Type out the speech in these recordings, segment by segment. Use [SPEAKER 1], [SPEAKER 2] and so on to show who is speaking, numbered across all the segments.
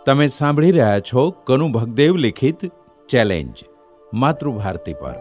[SPEAKER 1] તમે સાંભળી રહ્યા છો કનુ ભગદેવ લિખિત ચેલેન્જ માતૃભારતી પર.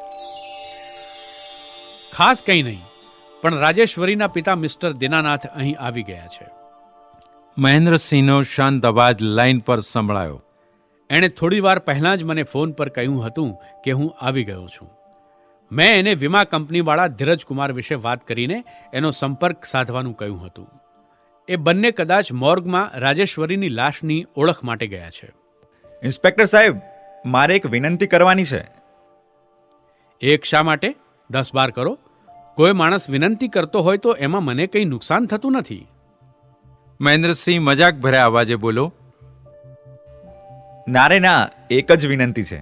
[SPEAKER 2] ખાસ કંઈ નહીં, પણ રાજેશ્વરીના પિતા મિસ્ટર દીનાનાથ અહીં આવી ગયા છે.
[SPEAKER 1] મહેન્દ્રસિંહનો શાંત અવાજ લાઈન પર સંભળાયો.
[SPEAKER 2] એણે થોડી વાર પહેલાં જ મને ફોન પર કહ્યું હતું કે હું આવી ગયો છું. મેં એને વીમા કંપનીવાળા ધીરજકુમાર વિશે વાત કરીને એનો સંપર્ક સાધવાનું કહ્યું હતું. એ બંને કદાચ મોર્ગમાં રાજેશ્વરીની લાશની ઓળખ માટે ગયા છે.
[SPEAKER 3] ઇન્સ્પેક્ટર સાહેબ, મારે એક વિનંતી કરવાની છે.
[SPEAKER 2] એક શા માટે? 10-12 કરો. કોઈ માણસ વિનંતી કરતો હોય તો એમાં મને કંઈ નુકસાન થતું નથી.
[SPEAKER 1] મહેન્દ્રસિંહ મજાક ભર્યા અવાજે બોલો.
[SPEAKER 3] ના રે ના, એક જ વિનંતી છે.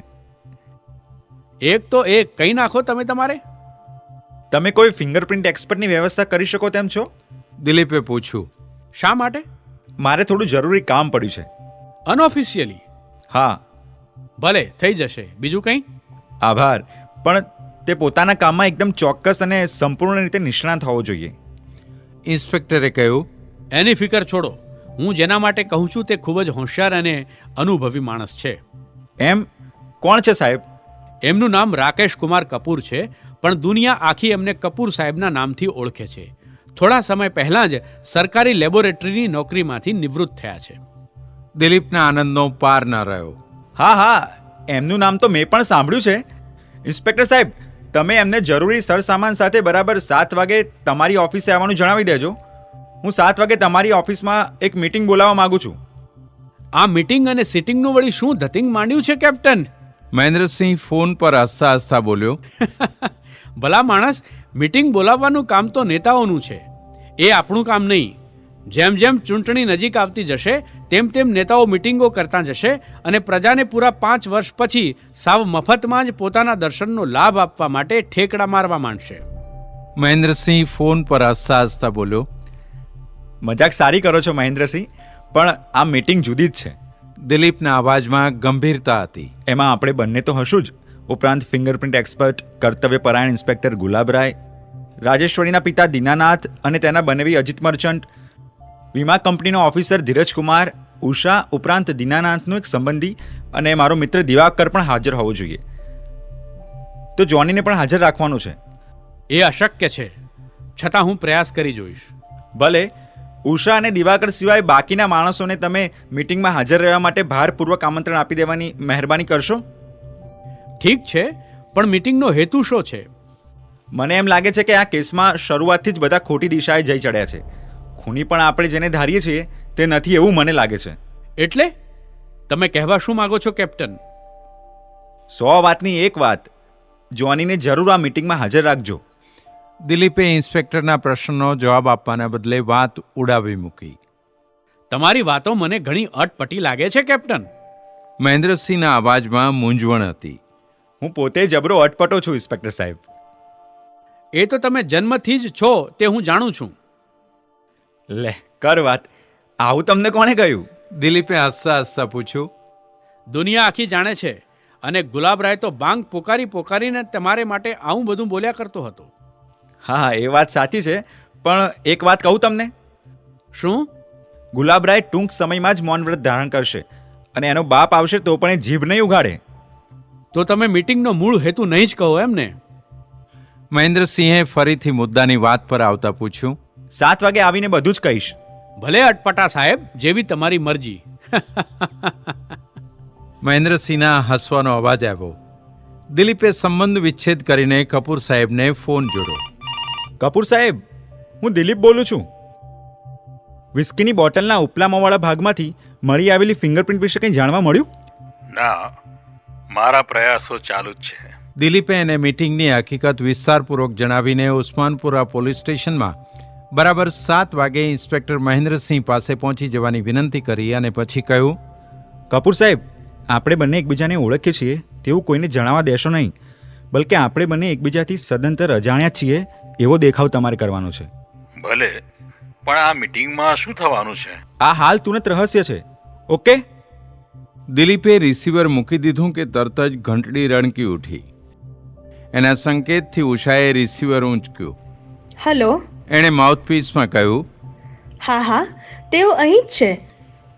[SPEAKER 2] એક તો એક કહી નાખો તમે તમારે.
[SPEAKER 3] તમે કોઈ ફિંગરપ્રિન્ટ એક્સપર્ટની વ્યવસ્થા કરી શકો તેમ છો?
[SPEAKER 1] દિલીપે પૂછ્યું.
[SPEAKER 2] શા માટે?
[SPEAKER 3] મારે થોડું જરૂરી કામ પડ્યું છે.
[SPEAKER 2] અનઓફિશિયલી?
[SPEAKER 3] હા.
[SPEAKER 2] ભલે, થઈ જશે. બીજું કંઈ?
[SPEAKER 3] આભાર, પણ તે પોતાના કામમાં એકદમ ચોક્કસ અને સંપૂર્ણ રીતે નિષ્ણાત હોવો જોઈએ.
[SPEAKER 1] ઇન્સ્પેક્ટરે કહ્યું.
[SPEAKER 2] એની ફિકર છોડો. હું જેના માટે કહું છું તે ખૂબ જ હોશિયાર અને અનુભવી માણસ છે.
[SPEAKER 3] એમ? કોણ છે સાહેબ?
[SPEAKER 2] એમનું નામ રાકેશ કુમાર કપૂર છે, પણ દુનિયા આખી એમને કપૂર સાહેબના નામથી ઓળખે છે. થોડા સમય પહેલાં જ સરકારી લેબોરેટરીની નોકરીમાંથી નિવૃત્ત થયા છે.
[SPEAKER 1] દિલીપના આનંદનો પાર ન રહ્યો.
[SPEAKER 3] હા, એમનું નામ તો મેં પણ સાંભળ્યું છે. ઇન્સ્પેક્ટર સાહેબ, તમે એમને જરૂરી સરસામાન સાથે બરાબર 7 વાગે તમારી ઓફિસે આવવાનું જણાવી દેજો. હું 7 વાગે તમારી ઓફિસમાં એક મીટિંગ બોલાવવા માંગુ છું.
[SPEAKER 2] આ મીટિંગ અને સિટિંગનું વળી શું ધતિંગ માંડ્યું છે કેપ્ટન?
[SPEAKER 1] મહેન્દ્રસિંહ ફોન પર હસતા હસતા બોલ્યો.
[SPEAKER 2] ભલા માણસ, મીટિંગ બોલાવવાનું કામ તો નેતાઓનું છે, એ આપણું કામ નહીં. જેમ જેમ ચૂંટણી નજીક આવતી જશે તેમ તેમ નેતાઓ મીટિંગો કરતા જશે અને પ્રજાને પૂરા 5 વર્ષ પછી સાવ મફતમાં જ પોતાના દર્શનનો લાભ આપવા માટે ઠેકડા મારવા માંડશે.
[SPEAKER 1] મહેન્દ્રસિંહ ફોન પર હસતા હસતા બોલ્યો.
[SPEAKER 3] મજાક સારી કરો છો મહેન્દ્રસિંહ, પણ આ મીટિંગ જુદી જ છે.
[SPEAKER 1] દિલીપના અવાજમાં ગંભીરતા હતી.
[SPEAKER 3] એમાં આપણે બંને તો હશું જ, ઉપરાંત ફિંગરપ્રિન્ટ એક્સપર્ટ કર્તવ્યપરાયણ ઇન્સ્પેક્ટર ગુલાબરાય, રાજેશ્વરીના પિતા દીનાનાથ અને તેના બનેવી અજીત મર્ચન્ટ, વીમા કંપનીનો ઓફિસર ધીરજકુમાર, ઉષા, ઉપરાંત દીનાનાથનો એક સંબંધી અને મારો મિત્ર દિવાકર પણ હાજર હોવો જોઈએ. તો જોનીને પણ હાજર રાખવાનું છે.
[SPEAKER 2] એ અશક્ય છે, છતાં હું પ્રયાસ કરી જોઈશ.
[SPEAKER 3] ભલે. ઉષા અને દિવાકર સિવાય બાકીના માણસોને તમે મીટિંગમાં હાજર રહેવા માટે ભારપૂર્વક આમંત્રણ આપી દેવાની મહેરબાની કરશો?
[SPEAKER 2] ઠીક છે, પણ મીટિંગનો હેતુ શું છે?
[SPEAKER 3] મને એમ લાગે છે કે આ કેસમાં શરૂઆતથી જ બધા ખોટી દિશાએ જઈ ચડ્યા છે. ખૂની પણ આપણે જેને ધારીએ છીએ તે નથી એવું મને લાગે છે.
[SPEAKER 2] એટલે તમે કહેવા શું માંગો છો કેપ્ટન?
[SPEAKER 3] 100 વાતની એક વાત, જોનીને જરૂર આ મીટિંગમાં હાજર રાખજો.
[SPEAKER 1] દિલીપે ઇન્સ્પેક્ટરના પ્રશ્નનો જવાબ આપવાના બદલે વાત ઉડાવી મૂકી.
[SPEAKER 2] તમારી વાતો મને ઘણી અટપટી લાગે છે કેપ્ટન.
[SPEAKER 1] મહેન્દ્રસિંહના અવાજમાં મૂંઝવણ હતી.
[SPEAKER 3] હું પોતે જબરો અટપટો છું ઇન્સ્પેક્ટર સાહેબ.
[SPEAKER 2] એ તો તમે જન્મથી જ છો તે હું જાણું છું.
[SPEAKER 3] લે કર વાત, આવું તમને કોણે કહ્યું?
[SPEAKER 1] દિલીપે હસતા હસતા પૂછ્યું.
[SPEAKER 2] દુનિયા આખી જાણે છે, અને ગુલાબરાય તો બાંગ પોકારીને તમારે માટે આવું બધું બોલ્યા કરતો હતો.
[SPEAKER 3] હા, એ વાત સાચી છે, પણ એક વાત કહું તમને.
[SPEAKER 2] શું?
[SPEAKER 3] ગુલાબરાય ટૂંક સમયમાં જ મૌન વ્રત ધારણ કરશે અને એનો બાપ આવશે તો પણ એ જીભ નહીં ઉગાડે.
[SPEAKER 2] તો તમે મીટિંગનો મૂળ હેતુ નહીં જ કહો એમ ને?
[SPEAKER 1] મહેન્દ્રસિંહે ફરીથી મુદ્દાની વાત પર આવતા પૂછ્યું.
[SPEAKER 3] 7 વાગે આવીને બધું જ કહીશ.
[SPEAKER 2] ભલે અટપટા સાહેબ, જેવી તમારી મરજી.
[SPEAKER 1] મહેન્દ્રસિંહના હસવાનો અવાજ આવ્યો. દિલીપે સંબંધ વિચ્છેદ કરીને કપૂર સાહેબને ફોન જોડ્યો.
[SPEAKER 3] કપૂર સાહેબ, હું દિલીપ બોલું છું. વિસ્કીની બોટલના ઉપલામાવાળા ભાગમાંથી મળી આવેલી ફિંગરપ્રિન્ટ વિશે કંઈ જાણવા મળ્યું?
[SPEAKER 4] ના, મારા પ્રયાસો ચાલુ જ છે.
[SPEAKER 1] દિલીપે એને મીટિંગની હકીકત વિસ્તારપૂર્વક જણાવીને ઉસ્માનપુરા પોલીસ સ્ટેશનમાં બરાબર 7 વાગે ઇન્સ્પેક્ટર મહેન્દ્રસિંહ પાસે પહોંચી જવાની વિનંતી કરી અને પછી કહ્યું.
[SPEAKER 3] કપૂર સાહેબ, આપણે બંને એકબીજાને ઓળખીએ છીએ તેવું કોઈને જણાવવા દેશો નહીં, બલકે આપણે બંને એકબીજાથી સદંતર અજાણ્યા છીએ એવો દેખાવ તમારે કરવાનો છે.
[SPEAKER 4] ભલે, પણ આ મીટિંગમાં શું થવાનું છે?
[SPEAKER 3] આ હાલ તુરંત રહસ્ય છે. ઓકે?
[SPEAKER 1] દિલીપે રિસીવર મૂકી દીધું કે તરત જ ઘંટડી રણકી ઉઠી. એના સંકેતથી ઉષાએ રિસીવર ઊંચક્યું.
[SPEAKER 5] હેલો.
[SPEAKER 1] એણે માઉથપીસમાં કહ્યું.
[SPEAKER 5] હા, તેઓ અહીં જ છે.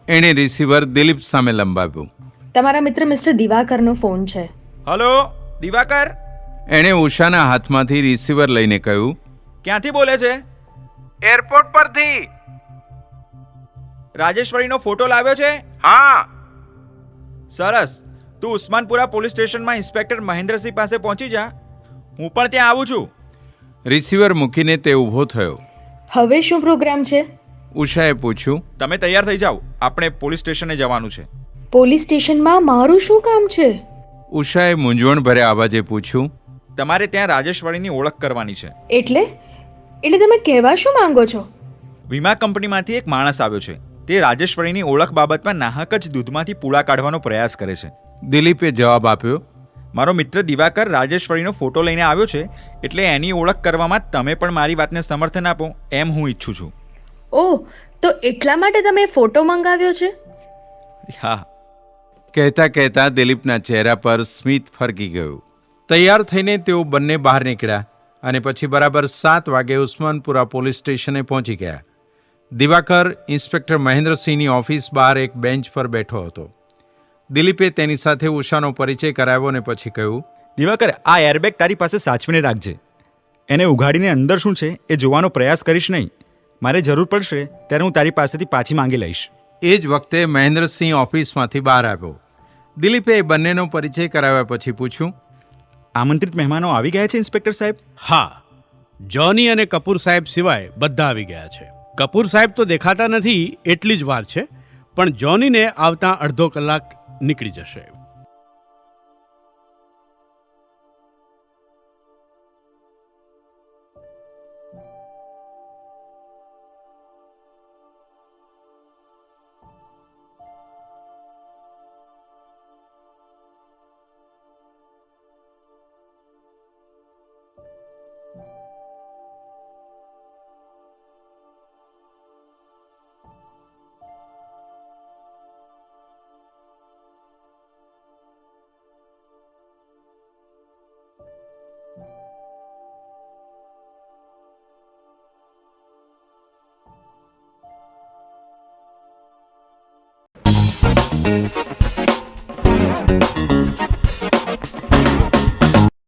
[SPEAKER 1] એણે રિસીવર દિલીપ સામે લંબાવ્યું.
[SPEAKER 5] તમારા મિત્ર મિસ્ટર દિવાકરનો ફોન છે.
[SPEAKER 3] હલો દિવાકર,
[SPEAKER 1] એણે ઉષાના હાથમાંથી રિસીવર લઈને કહ્યું,
[SPEAKER 3] ક્યાંથી બોલે છે?
[SPEAKER 1] એરપોર્ટ પરથી.
[SPEAKER 3] રાજેશ્વરીનો ફોટો લાવ્યો છે?
[SPEAKER 1] હા.
[SPEAKER 3] સરસ. તું ઉસ્માનપુરા પોલીસ સ્ટેશનમાં ઇન્સ્પેક્ટર મહેન્દ્રસિંહ પાસે પહોંચી જા. હું પણ ત્યાં આવું છું.
[SPEAKER 1] રિસીવર મૂકીને તે ઊભો થયો.
[SPEAKER 5] હવે શું પ્રોગ્રામ છે?
[SPEAKER 1] ઉષાએ પૂછ્યું.
[SPEAKER 3] તમે તૈયાર થઈ જાઓ, આપણે પોલીસ સ્ટેશને જવાનું છે.
[SPEAKER 5] પોલીસ સ્ટેશનમાં મારું શું કામ છે?
[SPEAKER 1] ઉષાએ મૂંઝવણભર્યા અવાજે પૂછ્યું.
[SPEAKER 3] તમારે ત્યાં રાજેશ્વરીની ઓળખ કરવાની છે.
[SPEAKER 5] એટલે તમે કહેવા શું માંગો છો?
[SPEAKER 3] વીમા કંપનીમાંથી એક માણસ આવ્યો છે. તે રાજેશ્વરીની ઓળખ બાબતમાં નાહક જ દૂધમાંથી પૂળા કાઢવાનો પ્રયાસ કરે છે.
[SPEAKER 1] દિલીપે જવાબ આપ્યો.
[SPEAKER 3] મારો મિત્ર દિવાકર રાજેશ્વરીનો ફોટો લઈને આવ્યો છે, એટલે એની ઓળખ કરવામાં તમે પણ મારી વાતને સમર્થન આપો એમ હું ઈચ્છું છું.
[SPEAKER 5] ઓહ, તો એટલા માટે તમે ફોટો મંગાવ્યો છે?
[SPEAKER 3] હા.
[SPEAKER 1] કહેતા કહેતા દિલીપના ચહેરા પર સ્મિત ફરકી ગયું. તૈયાર થઈને તેઓ બંને બહાર નીકળ્યા અને પછી બરાબર 7 વાગે ઉસ્માનપુરા પોલીસ સ્ટેશને પહોંચી ગયા. દિવાકર ઇન્સ્પેક્ટર મહેન્દ્રસિંહની ઓફિસ બહાર એક બેન્ચ પર બેઠો હતો. દિલીપે તેની સાથે ઉષાનો પરિચય કરાવ્યો અને પછી કહ્યું,
[SPEAKER 3] દિવાકર, આ એરબેગ તારી પાસે સાચવીને રાખજે. એને ઉઘાડીને અંદર શું છે એ જોવાનો પ્રયાસ કરીશ નહીં. મારે જરૂર પડશે ત્યારે હું તારી પાસેથી પાછી માંગી લઈશ.
[SPEAKER 1] એ જ વખતે મહેન્દ્રસિંહ ઓફિસમાંથી બહાર આવ્યો. દિલીપે એ બંનેનો પરિચય કરાવ્યા પછી પૂછ્યું,
[SPEAKER 3] આમંત્રિત મહેમાનો આવી ગયા છે ઇન્સ્પેક્ટર સાહેબ?
[SPEAKER 2] હા, જોની અને કપૂર સાહેબ સિવાય બધા આવી ગયા છે. કપૂર સાહેબ તો દેખાતા નથી એટલી જ વાર છે, પણ જોનીને આવતા અડધો કલાક નીકળી જશે.